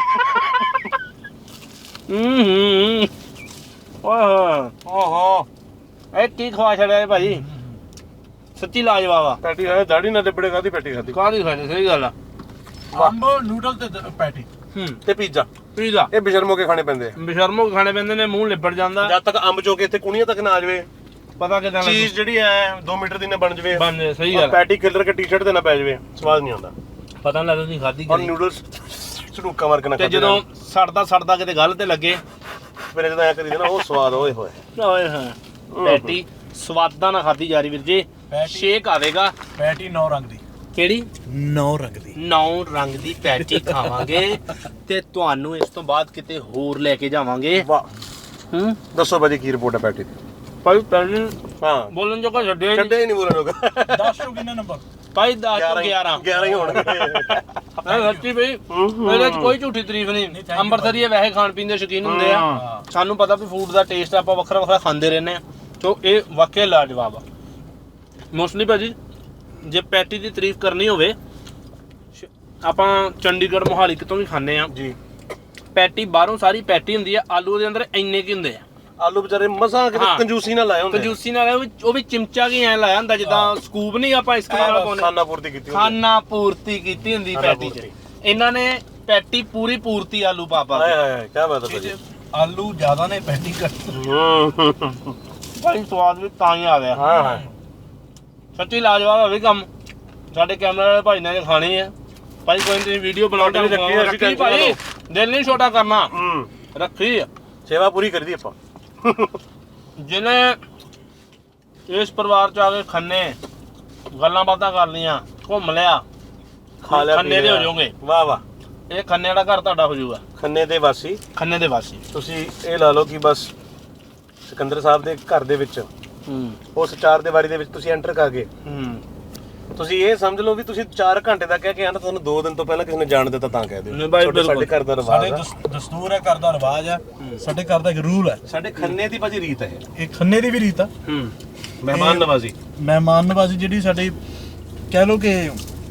S1: ਓਹ
S3: ਓਹੋ
S1: ਇਹ ਕੀ ਖਵਾ ਛੜਿਆ ਭਾਜੀ ਸੱਚੀ ਲਾਜਵਾਬ ਆ
S3: ਪੈਟੀ ਹੈ ਦਾੜੀ ਨਾਲ ਲਿਬੜੇ ਕਾਦੀ ਪੈਟੀ ਖਾਦੀ
S1: ਕਾਹਦੀ ਖਾਣੀ ਸਹੀ ਗੱਲ ਆ
S2: ਅੰਬ ਨੂਡਲ ਤੇ ਪੈਟੀ
S1: ਹੂੰ
S3: ਤੇ ਪੀਜ਼ਾ
S1: ਪੀਜ਼ਾ
S3: ਇਹ ਬਿਸ਼ਰਮੋ ਕੇ ਖਾਣੇ ਪੈਂਦੇ ਆ
S1: ਬਿਸ਼ਰਮੋ ਖਾਣੇ ਪੈਂਦੇ ਨੇ ਮੂੰਹ ਲਿਬੜ ਜਾਂਦਾ
S3: ਜਦ ਤੱਕ ਅੰਬ ਚੋ ਕੇ ਇੱਥੇ ਕੁਣੀਆਂ ਤੱਕ ਨਾ ਆ ਜਾਵੇ
S1: ਪਤਾ ਕਿਦਾਂ
S3: ਚੀਜ਼ ਜਿਹੜੀ ਐ ਦੋ ਮੀਟਰ ਦੀ ਨਾ ਬਣ ਜਾਵੇ
S1: ਬਣ ਜਾਏ, ਸਹੀ ਗੱਲ ਆ।
S3: ਪੈਟੀ ਖਿਲਰ ਕੇ ਟੀ-ਸ਼ਰਟ ਤੇ ਨਾ ਪੈ ਜਾਵੇ ਸਵਾਦ ਨਹੀਂ ਆਉਂਦਾ
S1: ਪਤਾ ਨਹੀਂ ਲੱਗਦਾ ਤੁਸੀਂ ਖਾਧੀ
S3: ਔਰ
S1: ਕਰੀ
S3: ਨੂਡਲਸ ਝੜੂਕਾ ਮਾਰ ਕੇ ਨਾ
S1: ਤੇ ਜਦੋਂ ਸੜਦਾ ਸੜਦਾ ਕਿਤੇ ਗੱਲ ਤੇ ਲੱਗੇ
S3: ਫਿਰ ਜਦੋਂ ਐ ਕਰੀਦਾ ਨਾ ਉਹ ਸਵਾਦ ਓਏ ਹੋਏ
S1: ਓਏ ਹਾਂ ਪੈਟੀ ਸਵਾਦਾਂ ਨਾਲ ਖਾਧੀ ਜਾ ਰਹੀ ਵੀਰ ਜੀ ਸ਼ੇਕ ਆਵੇਗਾ
S2: ਪੈਟੀ ਨੌ ਰੰਗ ਦੀ
S1: ਕਿਹੜੀ
S2: ਨੌ ਰੰਗ ਦੀ
S1: ਨੌ ਰੰਗ ਦੀ ਪੈਟੀ ਖਾਵਾਂਗੇ ਤੇ ਤੁਹਾਨੂੰ ਇਸ ਤੋਂ ਬਾਅਦ ਕਿਤੇ ਹੋਰ ਲੈ ਕੇ ਜਾਵਾਂਗੇ
S3: ਵਾਹ
S1: ਹੂੰ
S3: ਦੱਸੋ ਭਾਜੀ ਕੀ ਰਿਪੋਰਟ ਹੈ ਪੈਟੀ ਦੀ
S1: ਭਾਈ ਪਹਿਲੇ
S3: ਹਾਂ
S1: ਬੋਲਣ ਜੋਗਾ ਛੱਡਿਆ
S3: ਛੱਡੇ ਹੀ ਨਹੀਂ ਬੋਲਣ ਲੋਕ
S2: ਦਸ ਤੋਂ ਕਿੰਨਾ ਨੰਬਰ
S1: ਭਾਈ ਦਸ ਤੋਂ ਗਿਆਰਾਂ
S3: ਗਿਆਰਾਂ ਹੀ ਹੋਣਗੇ
S1: ਨਹੀਂ ਸੱਚੀ ਬਈ ਇਹਦੇ ਚ ਕੋਈ ਝੂਠੀ ਤਾਰੀਫ ਨਹੀਂ ਅੰਮ੍ਰਿਤਸਰੀ ਵੈਸੇ ਖਾਣ ਪੀਣ ਦੇ ਸ਼ੌਕੀਨ ਹੁੰਦੇ ਆ ਸਾਨੂੰ ਪਤਾ ਵੀ ਫੂਡ ਦਾ ਟੇਸਟ ਆਪਾਂ ਵੱਖਰਾ ਵੱਖਰਾ ਖਾਂਦੇ ਰਹਿੰਦੇ ਆ ਤੋ ਇਹ ਵਾਕਿਆ ਲਾਜਵਾਬ ਆ ਮੋਸਟਲੀ ਭਾਜੀ ਜੇ ਪੈਟੀ ਦੀ ਤਾਰੀਫ ਕਰਨੀ ਹੋਵੇ ਆਪਾਂ ਚੰਡੀਗੜ੍ਹ ਮੋਹਾਲੀ ਕਿਤੋਂ ਵੀ ਖਾਂਦੇ ਆ
S3: ਜੀ
S1: ਪੈਟੀ ਬਾਹਰੋਂ ਸਾਰੀ ਪੈਟੀ ਹੁੰਦੀ ਆ ਆਲੂ ਦੇ ਅੰਦਰ ਇੰਨੇ ਕੀ ਹੁੰਦੇ ਆ
S3: ਆਲੂ ਵਿਚਾਰੇ ਮਸਾਂ ਕਿਤੇ ਕੰਜੂਸੀ ਨਾਲ ਲਾਏ ਹੁੰਦੇ
S1: ਕੰਜੂਸੀ ਨਾਲ ਉਹ ਵੀ ਉਹ ਵੀ ਚਿਮਚਾ ਕੀ ਐ ਲਾਇਆ ਹੁੰਦਾ ਜਿੱਦਾਂ ਸਕੂਪ ਨਹੀਂ ਆਪਾਂ ਇਸ ਤਰ੍ਹਾਂ ਪਾਉਂਦੇ
S3: ਖਾਣਾ ਪੂਰਤੀ ਕੀਤੀ ਹੁੰਦੀ
S1: ਖਾਣਾ ਪੂਰਤੀ ਕੀਤੀ ਹੁੰਦੀ ਪੈਟੀ 'ਚ ਇਹਨਾਂ ਨੇ ਪੈਟੀ ਪੂਰੀ ਪੂਰਤੀ ਆਲੂ ਪਾ ਪਾ
S3: ਹਾਏ
S1: ਕੇ
S3: ਹਾਏ ਕੀ ਬਾਤ ਹੈ ਭਾਜੀ
S2: ਆਲੂ ਜ਼ਿਆਦਾ ਨੇ ਪੈਟੀ ਘੱਟ।
S1: ਭਾਈ ਸਵਾਦ ਵੀ ਤਾਂ ਹੀ ਆ ਗਿਆ।
S3: ਹਾਂ ਹਾਂ
S1: ਸੱਚੀ ਲਾਜਵਾਬ ਹੋਵੇ ਕੰਮ। ਸਾਡੇ ਕੈਮਰੇ ਵਾਲੇ ਭਾਈ ਨੇ ਖਾਣੀ ਹੈ ਭਾਈ, ਕੋਈ ਨਹੀਂ ਤੁਸੀਂ ਵੀਡੀਓ ਬਣਾਓ
S3: ਰੱਖੀ, ਰੱਖੀ,
S1: ਰੱਖੀ ਭਾਈ, ਦਿਲ ਨਹੀਂ ਛੋਟਾ ਕਰਨਾ,
S3: ਹੂੰ
S1: ਰੱਖੀ ਆ।
S3: ਸੇਵਾ ਪੂਰੀ ਕਰਦੀ ਆਪਾਂ।
S1: ਜਿਹਨੇ ਇਸ ਪਰਿਵਾਰ ਚ ਆ ਕੇ ਖੰਨੇ ਗੱਲਾਂ ਬਾਤਾਂ ਕਰ ਲੀਆਂ, ਘੁੰਮ ਲਿਆ,
S3: ਖਾ ਲਿਆ
S1: ਖੰਨੇ ਦੇ ਹੋ ਜਾਓਗੇ।
S3: ਵਾਹ ਵਾਹ
S1: ਇਹ ਖੰਨੇ ਵਾਲਾ ਘਰ ਤੁਹਾਡਾ ਹੋ ਜਾਊਗਾ,
S3: ਖੰਨੇ ਦੇ ਵਾਸੀ
S1: ਖੰਨੇ ਦੇ ਵਾਸੀ।
S3: ਤੁਸੀਂ ਇਹ ਲਾ ਲਓ ਕਿ ਬਸ ਸਿਕੰਦਰ ਸਾਹਿਬ ਦੇ ਘਰ ਦੇ ਵਿੱਚ
S1: ਹੂੰ
S3: ਉਸ ਚਾਰ ਦੀਵਾਰੀ ਦੇ ਵਿੱਚ ਤੁਸੀਂ ਐਂਟਰ ਕਰ ਗਏ।
S1: ਹੂੰ
S3: ਤੁਸੀਂ ਇਹ ਸਮਝ ਲਓ ਵੀ ਤੁਸੀਂ ਚਾਰ ਘੰਟੇ ਦਾ ਕਹਿ ਕੇ ਆਣਾ, ਤੁਹਾਨੂੰ ਦੋ ਦਿਨ ਤੋਂ ਪਹਿਲਾਂ ਕਿਸੇ ਨੇ ਜਾਣ ਦਿੱਤਾ ਤਾਂ ਕਹਿ ਦਿਓ।
S1: ਨਹੀਂ ਬਾਈ,
S3: ਤੁਹਾਡੇ- ਸਾਡੇ ਘਰ ਦਾ
S2: ਸਾਡੇ
S3: ਰਿਵਾਜ ਆ,
S2: ਦਸ- ਦਸਤੂਰ ਹੈ, ਘਰ ਦਾ ਰਿਵਾਜ ਹੈ, ਸਾਡੇ ਘਰ ਦਾ ਇੱਕ ਰੂਲ ਹੈ।
S3: ਸਾਡੇ ਖੰਨੇ ਦੀ ਭਾਜੀ ਰੀਤ ਹੈ,
S2: ਇਹ ਖੰਨੇ ਦੀ ਵੀ ਰੀਤ ਆ।
S1: ਹੂੰ
S3: ਮਹਿਮਾਨ ਨਵਾਜ਼ੀ।
S2: ਮਹਿਮਾਨ ਨਵਾਜ਼ੀ ਜਿਹੜੀ ਸਾਡੀ ਕਹਿ ਲਓ ਕਿ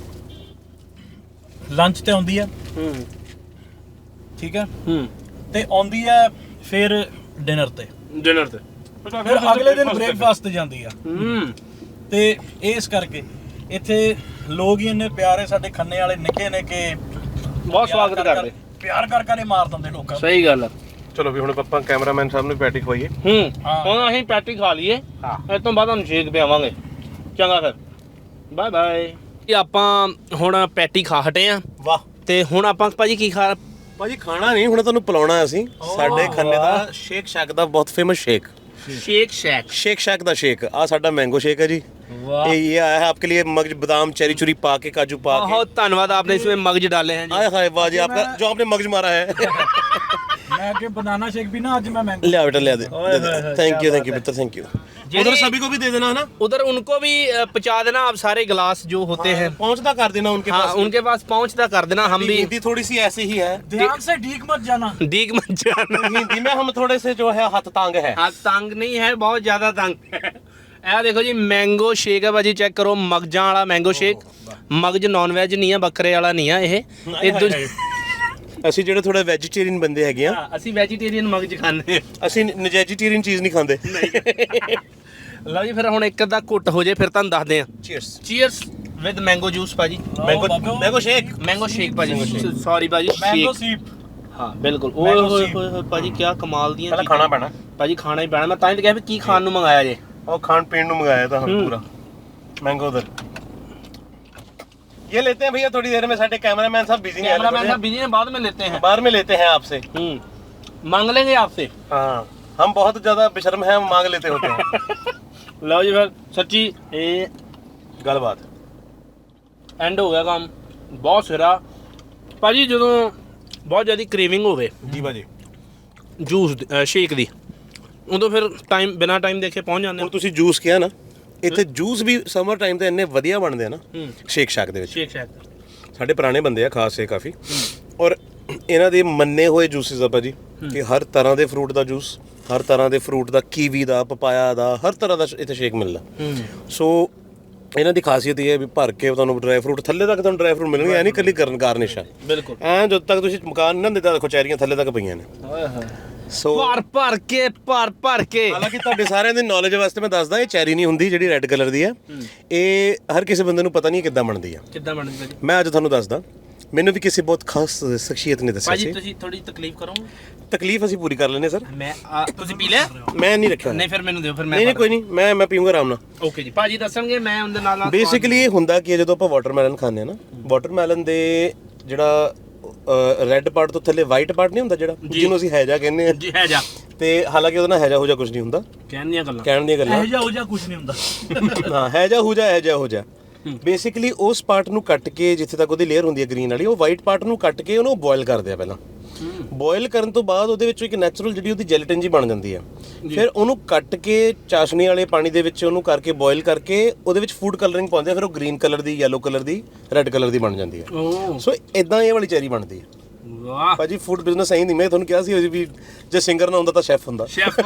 S2: ਲੰਚ ਤੇ ਆਉਂਦੀ ਹੈ,
S1: ਹੂੰ
S2: ਠੀਕ ਹੈ,
S1: ਹੂੰ
S2: ਤੇ ਆਉਂਦੀ ਹੈ ਫਿਰ ਡਿਨਰ ਤੇ,
S1: ਡਿਨਰ ਤੇ
S2: ਫਿਰ ਅਗਲੇ ਦਿਨ ਬ੍ਰੇਕਫਾਸਟ ਤੇ ਜਾਂਦੀ ਆ।
S1: ਹੂੰ
S2: ਤੇ ਇਸ ਕਰਕੇ ਇੱਥੇ ਲੋਕ ਹੀ ਇੰਨੇ ਪਿਆਰੇ, ਸਾਡੇ ਖੰਨੇ ਵਾਲੇ ਨਿੱਕੇ ਨੇ ਕਿ
S1: ਬਹੁਤ ਸਵਾਗਤ ਕਰਦੇ।
S2: ਪਿਆਰ ਕਰ ਕਰ ਮਾਰ ਦਿੰਦੇ ਲੋਕਾਂ ਨੂੰ।
S1: ਸਹੀ ਗੱਲ ਆ।
S3: ਚਲੋ ਵੀ ਹੁਣ ਆਪਾਂ ਕੈਮਰਾਮੈਨ ਸਾਹਿਬ ਨੂੰ ਪੈਟੀ ਖਵਾਈਏ।
S1: ਹੂੰ
S2: ਹਾਂ।
S1: ਹੁਣ ਅਸੀਂ ਪੈਟੀ ਖਾ ਲਈਏ,
S3: ਹਾਂ।
S1: ਇਸ ਤੋਂ ਬਾਅਦ ਤੁਹਾਨੂੰ ਸ਼ੇਕ ਪਿਆਵਾਂਗੇ। ਚੰਗਾ ਫਿਰ, ਬਾਏ ਬਾਏ। ਆਪਾਂ ਹੁਣ ਪੈਟੀ ਖਾ ਹਟੇ ਆ
S3: ਵਾਹ
S1: ਤੇ ਹੁਣ ਆਪਾਂ ਭਾਜੀ ਕੀ ਖਾ
S3: ਭਾਜੀ ਖਾਣਾ ਨਹੀਂ, ਹੁਣ ਤੁਹਾਨੂੰ ਪਿਲਾਉਣਾ ਅਸੀਂ। ਸਾਡੇ ਖੰਨੇ ਦਾ ਸ਼ੇਕ ਸ਼ੈਕ ਦਾ ਬਹੁਤ famous shake,
S1: Shake Shack
S3: Shake Shack ਦਾ ਸ਼ੇਕ। ਆ ਸਾਡਾ ਮੈਂਗੋ ਸ਼ੇਕ है जी।
S1: वाह,
S3: ये ये आया है आपके लिए मगज बादाम चेरी चुरी पा के काजू पा के।
S1: बहुत धन्यवाद, आपने इसमें मगज डाले हैं जी।
S3: आए हाय वाह जी, आपका जो आपने मगज मारा है।
S2: मैं कि बनाना शेक भी ना आज मैं मैंगो
S3: ले बेटा ले दे।
S2: ओए होए होए,
S3: थैंक यू
S2: क्या
S3: थैंक यू
S2: बात
S3: मित्र थैंक यू।
S1: जी।
S3: उधर सभी को भी दे देना है ना,
S1: उधर उनको भी अ, पहुंचा देना आप सारे गिलास जो होते हैं।
S3: पहुंचता कर देना उनके
S1: हाँ,
S3: पास।
S1: उनके पास पहुंचता कर देना। हम भी
S3: हिंदी थोड़ी सी ऐसी ही है,
S2: ध्यान से डीक मत जाना।
S1: दीग मत जाना।
S3: हिंदी में हम थोड़े से जो है हाथ तांग है।
S1: हाँ, तंग नहीं है, बहुत ज्यादा तंग है। ਇਹ ਦੇਖੋ ਜੀ ਮੈਂਗੋ ਸ਼ੇਕ ਹੈ ਭਾਜੀ, ਚੈੱਕ ਕਰੋ, ਮਗਜਾਂ ਵਾਲਾ ਮੈਂਗੋ ਸ਼ੇਕ। ਮਗਜ ਨਾਨ ਵੈਜ ਨਹੀਂ ਆ, ਬੱਕਰੇ ਵਾਲਾ ਨਹੀਂ ਆ ਇਹ। ਇਹ ਦੂਜ-
S3: ਅਸੀਂ ਜਿਹੜੇ ਥੋੜਾ ਵੈਜੀਟੇਰੀਅਨ ਬੰਦੇ ਹੈਗੇ ਆ,
S1: ਹਾਂ, ਅਸੀਂ ਵੈਜੀਟੇਰੀਅਨ ਮਗਜ ਖਾਂਦੇ ਹਾਂ।
S3: ਅਸੀਂ ਨਜੈਜੀਟੇਰੀਅਨ ਚੀਜ਼ ਨਹੀਂ ਖਾਂਦੇ।
S1: ਲਓ ਜੀ, ਫਿਰ ਹੁਣ ਇੱਕ ਅੱਧਾ ਘੁੱਟ ਹੋ ਜੇ ਫਿਰ ਤੁਹਾਨੂੰ ਦੱਸਦੇ ਆ।
S3: Cheers.
S1: Cheers with mango juice ਭਾਜੀ,
S3: mango mango shake.
S1: Mango shake ਭਾਜੀ, ਸੌਰੀ ਭਾਜੀ,
S2: मैंगो
S1: ਸ਼ੇਕ।
S2: सीप।
S1: ਹਾਂ ਬਿਲਕੁਲ। ਓਏ
S2: Mango
S1: ਹੋਏ
S2: sheep।
S1: ਹੋਏ ਹੋਏ ਭਾਜੀ, ਕੀ ਕਮਾਲ ਦੀਆਂ
S3: ਪਹਿਲਾਂ
S1: ਚੀਜ਼ਾਂ।
S3: ਖਾਣਾ ਪੈਣਾ,
S1: ਭਾਜੀ ਖਾਣਾ ਹੀ ਪੈਣਾ। ਮੈਂ ਤਾਂ ਹੀ ਤਾਂ ਕਿਹਾ ਵੀ ਕੀ ਖਾਣ ਨੂੰ ਮੰਗਾਇਆ ਜੇ।
S3: और खान पीन ਨੂੰ मंगाया था हम
S1: हम्म।
S3: पूरा मैंगो उधर। ये लेते हैं भैया थोड़ी देर में, साडे कैमरामैन साहब बिजी हैं,
S1: कैमरामैन साहब बिजी हैं, बाद में लेते हैं।
S3: बाद में लेते हैं आपसे।
S1: हम्म मांग लेंगे आपसे।
S3: हाँ, हम बहुत ज्यादा बेशर्म हैं, हम मांग लेते होते हैं।
S1: ਲਓ ਜੀ ਫਿਰ ਸੱਚੀ ਇਹ
S3: गलबात
S1: ਐਂਡ ਹੋ ਗਿਆ ਕੰਮ, ਬਹੁਤ ਸਿਰਾ ਭਾਜੀ। ਜਦੋਂ ਬਹੁਤ ਜ਼ਿਆਦਾ ਕ੍ਰੇਵਿੰਗ ਹੋਵੇ
S3: जी भाजी।
S1: ਜੂਸ ਸ਼ੇਕ ਦੀ, ਉਦੋਂ ਫਿਰ ਟਾਈਮ ਬਿਨਾ ਟਾਈਮ ਦੇਖੇ ਪਹੁੰਚ ਜਾਂਦੇ
S3: ਹੁਣ ਤੁਸੀਂ ਜੂਸ ਕਿਹਾ ਨਾ, ਇੱਥੇ ਜੂਸ ਵੀ ਸਮਰ ਟਾਈਮ ਤੇ ਇੰਨੇ ਵਧੀਆ ਬਣਦੇ ਆ ਨਾ
S1: ਹੂੰ
S3: ਸ਼ੇਕ ਸ਼ੈਕ ਦੇ ਵਿੱਚ।
S1: Shake Shack.
S3: ਸਾਡੇ ਪੁਰਾਣੇ ਬੰਦੇ ਆ ਖਾਸ ਸੇ ਕਾਫੀ, ਔਰ ਇਹਨਾਂ ਦੇ ਮੰਨੇ ਹੋਏ ਜੂਸਿਸ ਆ ਭਾਜੀ ਕਿ ਹਰ ਤਰ੍ਹਾਂ ਦੇ ਫਰੂਟ ਦਾ ਜੂਸ, ਹਰ ਤਰ੍ਹਾਂ ਦੇ ਫਰੂਟ ਦਾ, ਕੀਵੀ ਦਾ, ਪਪਾਇਆ ਦਾ, ਹਰ ਤਰ੍ਹਾਂ ਦਾ ਇੱਥੇ ਸ਼ੇਕ ਮਿਲਦਾ।
S1: ਹੂੰ
S3: ਸੋ ਇਹਨਾਂ ਦੀ ਖਾਸੀਅਤ ਇਹ ਹੈ ਵੀ ਭਰ ਕੇ ਤੁਹਾਨੂੰ ਡਰਾਈ ਫਰੂਟ ਥੱਲੇ ਤੱਕ ਤੁਹਾਨੂੰ ਡਰਾਈ ਫਰੂਟ ਮਿਲਣਗੇ, ਐ ਨਹੀਂ ਇਕੱਲੀ ਕਰਨ ਗਾਰਨਿਸ਼ ਆ।
S1: ਬਿਲਕੁਲ।
S3: ਐ ਜਦੋਂ ਤੱਕ ਤੁਸੀਂ ਮਕਾਨ ਨਾ ਦਿੱਤਾ, ਦੇਖੋ ਚੈਰੀਆਂ ਥੱਲੇ ਤੱਕ ਪਈਆਂ ਨੇ।
S1: ਓਏ ਹੋਏ,
S3: ਸੋ
S1: ਭਰ ਭਰ ਕੇ ਭਰ ਭਰ ਕੇ।
S3: ਹਾਲਾਂਕਿ ਤੁਹਾਡੇ ਸਾਰਿਆਂ ਦੀ ਨੌਲੇਜ ਵਾਸਤੇ ਮੈਂ ਦੱਸਦਾ, ਇਹ ਚੈਰੀ ਨਹੀਂ ਹੁੰਦੀ ਜਿਹੜੀ ਰੈੱਡ ਕਲਰ ਦੀ ਹੈ। ਇਹ ਹਰ ਕਿਸੇ ਬੰਦੇ ਨੂੰ ਪਤਾ ਨਹੀਂ ਕਿੱਦਾਂ ਬਣਦੀ ਆ।
S1: ਕਿੱਦਾਂ ਬਣਦੀ ਭਾਜੀ?
S3: ਮੈਂ ਅੱਜ ਤੁਹਾਨੂੰ ਦੱਸਦਾ, ਮੈਨੂੰ ਵੀ ਕਿਸੇ ਬਹੁਤ ਖਾਸ ਸ਼ਖਸੀਅਤ ਨੇ ਦੱਸਿਆ
S1: ਭਾਜੀ
S3: ਸੀ।
S1: ਤੁਸੀਂ ਥੋੜੀ ਤਕਲੀਫ ਕਰੋਗੇ?
S3: ਤਕਲੀਫ ਅਸੀਂ ਪੂਰੀ ਕਰ ਲੈਨੇ ਸਰ।
S1: ਮੈਂ ਆ, ਤੁਸੀਂ ਪੀ ਲਿਆ?
S3: ਮੈਂ ਨਹੀਂ ਰੱਖਿਆ।
S1: ਨਹੀਂ ਫਿਰ ਮੈਨੂੰ ਦਿਓ, ਫਿਰ ਮੈਂ
S3: ਨਹੀਂ ਨਹੀਂ ਕੋਈ ਨਹੀਂ, ਮੈਂ ਮੈਂ ਪੀਊਂਗਾ ਆਰਾਮ ਨਾਲ।
S1: ਓਕੇ ਜੀ, ਭਾਜੀ ਦੱਸਣਗੇ, ਮੈਂ ਉਹਦੇ ਨਾਲ ਨਾਲ
S3: ਬੇਸਿਕਲੀ ਇਹ ਹੁੰਦਾ ਕਿ ਜਦੋਂ ਆਪਾਂ ਵਾਟਰਮੈਲਨ ਖਾਂਦੇ ਆ ਨਾ, ਵਾਟਰਮੈਲਨ ਦੇ ਜਿਹੜਾ ਰੈੱਡ ਪਾਰਟ ਤੋਂ ਥੱਲੇ ਵਾਈਟ ਪਾਰਟ ਨਹੀਂ ਹੁੰਦਾ, ਜਿਹੜਾ ਜਿਹਨੂੰ ਅਸੀਂ ਹੈਜਾ ਕਹਿੰਦੇ ਆ,
S1: ਜੀ ਹੈ ਜਾ
S3: ਤੇ ਹਾਲਾਂਕਿ ਉਹਦਾ ਨਾ ਹੈਜਾ ਹੋ ਜਾ ਕੁਝ ਨਹੀਂ ਹੁੰਦਾ,
S1: ਕਹਿਣ ਦੀਆਂ ਗੱਲਾਂ।
S3: ਕਹਿਣ ਦੀਆਂ ਗੱਲਾਂ।
S2: ਇਹ ਜਾ ਹੋ ਜਾ ਕੁਝ ਨਹੀਂ ਹੁੰਦਾ।
S3: ਹਾਂ, ਹੈਜਾ ਹੋ ਜਾ ਹੈਜਾ ਹੋ ਜਾ। ਬੇਸਿਕਲੀ ਉਸ ਪਾਰਟ ਨੂੰ ਕੱਟ ਕੇ, ਜਿੱਥੇ ਤੱਕ ਉਹਦੀ ਲੇਅਰ ਹੁੰਦੀ ਹੈ ਗ੍ਰੀਨ ਵਾਲੀ, ਉਹ ਵਾਈਟ ਪਾਰਟ ਨੂੰ ਕੱਟ ਕੇ ਉਹਨੂੰ ਬੋਇਲ ਕਰਦੇ ਆ ਪਹਿਲਾਂ। ਬੋਇਲ ਕਰਨ ਤੋਂ ਬਾਅਦ ਉਹਦੇ ਵਿੱਚੋਂ ਇੱਕ ਨੈਚੁਰਲ ਜਿਹੜੀ ਉਹਦੀ ਜੈਲੇਟਿਨ ਜੀ ਬਣ ਜਾਂਦੀ ਹੈ। ਫਿਰ ਉਹਨੂੰ ਕੱਟ ਕੇ ਚਾਸ਼ਨੀ ਵਾਲੇ ਪਾਣੀ ਦੇ ਵਿੱਚ ਉਹਨੂੰ ਕਰਕੇ ਬੋਇਲ ਕਰਕੇ ਉਹਦੇ ਵਿੱਚ ਫੂਡ ਕਲਰਿੰਗ ਪਾਉਂਦੇ ਆ, ਫਿਰ ਉਹ ਗ੍ਰੀਨ ਕਲਰ ਦੀ, ਯੈਲੋ ਕਲਰ ਦੀ, ਰੈੱਡ ਕਲਰ ਦੀ ਬਣ ਜਾਂਦੀ ਹੈ।
S1: ਓ
S3: ਸੋ ਇਦਾਂ ਇਹ ਵਾਲੀ ਚੈਰੀ ਬਣਦੀ ਹੈ
S1: ਵਾਹ,
S3: ਭਾਜੀ। ਫੂਡ ਬਿਜ਼ਨਸ ਐਂ ਨਹੀਂ, ਮੈਂ ਤੁਹਾਨੂੰ ਕਿਹਾ ਸੀ ਵੀ ਜੇ ਸਿੰਗਰ ਨਾ ਹੁੰਦਾ ਤਾਂ ਸ਼ੈਫ ਹੁੰਦਾ।
S1: ਸ਼ੈਫ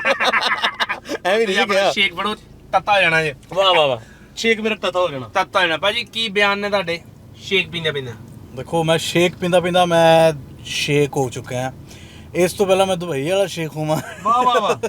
S3: ਐਵੇਂ ਨਹੀਂ ਕਿਹਾ।
S1: ਸ਼ੇਕ ਬੜੋ ਤੱਤਾ ਹੋ ਜਾਣਾ ਜੇ।
S3: ਵਾਹ ਵਾਹ ਵਾਹ, ਸ਼ੇਕ ਮੇਰਾ ਤਤਾ ਹੋ ਜਾਣਾ।
S1: ਤੱਤਾ ਹੋ ਜਾਣਾ ਭਾਜੀ। ਕੀ ਬਿਆਨ ਨੇ ਤੁਹਾਡੇ ਸ਼ੇਕ ਪੀਂਦੇ ਪੀਂਦੇ?
S2: ਦੇਖੋ ਮੈਂ ਸ਼ੇਕ ਪੀਂਦਾ ਪੀਂਦਾ ਮੈਂ ਸ਼ੇਕ ਹੋ ਚੁੱਕਿਆ ਹਾਂ। ਇਸ ਤੋਂ ਪਹਿਲਾਂ ਮੈਂ ਦੁਬਈ ਵਾਲਾ ਸ਼ੇਕ ਹੋਵਾਂ।
S3: ਵਾਹ ਵਾਹ ਵਾਹ,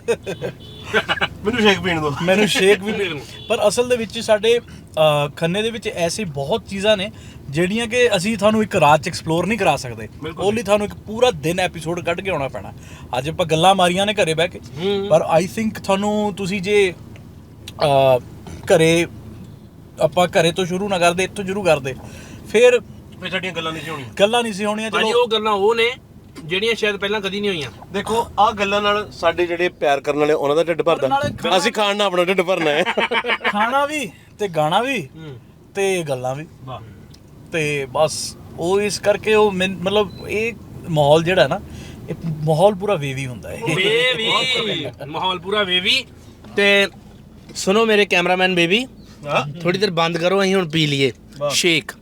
S3: ਮੈਨੂੰ ਸ਼ੇਕ ਪੀਣ ਦਿਓ।
S2: ਮੈਨੂੰ ਸ਼ੇਕ ਵੀ ਪੀਣ, ਪਰ ਅਸਲ ਦੇ ਵਿੱਚ ਸਾਡੇ ਅ, ਖੰਨੇ ਦੇ ਵਿੱਚ ਐਸੀ ਬਹੁਤ ਚੀਜ਼ਾਂ ਨੇ ਜਿਹੜੀਆਂ ਕਿ ਅਸੀਂ ਤੁਹਾਨੂੰ ਇੱਕ ਰਾਤ ਚ ਐਕਸਪਲੋਰ ਨਹੀਂ ਕਰਾ ਸਕਦੇ, ਉਹ ਲਈ ਤੁਹਾਨੂੰ ਇੱਕ ਪੂਰਾ ਦਿਨ ਐਪੀਸੋਡ ਕੱਢ ਕੇ ਆਉਣਾ ਪੈਣਾ। ਅੱਜ ਆਪਾਂ ਗੱਲਾਂ ਮਾਰੀਆਂ ਨੇ ਘਰੇ ਬਹਿ ਕੇ, ਪਰ ਆਈ ਥਿੰਕ ਤੁਹਾਨੂੰ ਤੁਸੀਂ ਜੇ ਅਹ, ਘਰੇ ਆਪਾਂ ਘਰੇ ਤੋਂ ਸ਼ੁਰੂ ਨਾ ਕਰਦੇ, ਇੱਥੋਂ ਸ਼ੁਰੂ ਕਰਦੇ, ਫਿਰ
S3: ਫੇ ਸਾਡੀਆਂ ਗੱਲਾਂ ਨਹੀਂ ਸੀ ਹੋਣੀਆਂ
S2: ਗੱਲਾਂ ਨਹੀਂ ਸੀ ਹੋਣੀਆਂ।
S1: ਭਾਜੀ
S2: ਚਲੋ
S1: ਉਹ ਗੱਲਾਂ ਉਹ ਨੇ ਜਿਹੜੀਆਂ ਸ਼ਾਇਦ ਪਹਿਲਾਂ ਕਦੀ ਨਹੀਂ ਹੋਈਆਂ।
S3: ਦੇਖੋ ਆਹ ਗੱਲਾਂ ਨਾਲ ਸਾਡੇ ਜਿਹੜੇ ਪਿਆਰ ਕਰਨ ਵਾਲੇ ਉਹਨਾਂ ਦਾ ਢਿੱਡ ਭਰਦਾ, ਅਸੀਂ ਖਾਣ ਨਾਲ ਆਪਣਾ ਢਿੱਡ ਭਰਨਾ ਹੈ।
S2: ਖਾਣਾ ਵੀ ਤੇ ਗਾਣਾ ਵੀ ਤੇ ਗੱਲਾਂ ਵੀ, ਤੇ ਬਸ ਉਹ ਇਸ ਕਰਕੇ ਉਹ ਮੈਨ- ਮਤਲਬ ਇਹ ਮਾਹੌਲ ਜਿਹੜਾ ਨਾ, ਇਹ ਮਾਹੌਲ ਪੂਰਾ ਵੇਵੀ ਹੁੰਦਾ ਹੈ।
S1: ਬੇਬੀ ਮਾਹੌਲ ਪੂਰਾ ਬੇਬੀ। ਤੇ ਸੁਣੋ ਮੇਰੇ ਕੈਮਰਾਮੈਨ ਬੇਬੀ, ਥੋੜੀ ਦੇਰ ਬੰਦ ਕਰੋ, ਅਸੀਂ ਹੁਣ ਪੀ ਲਈਏ ਸ਼ੇਕ।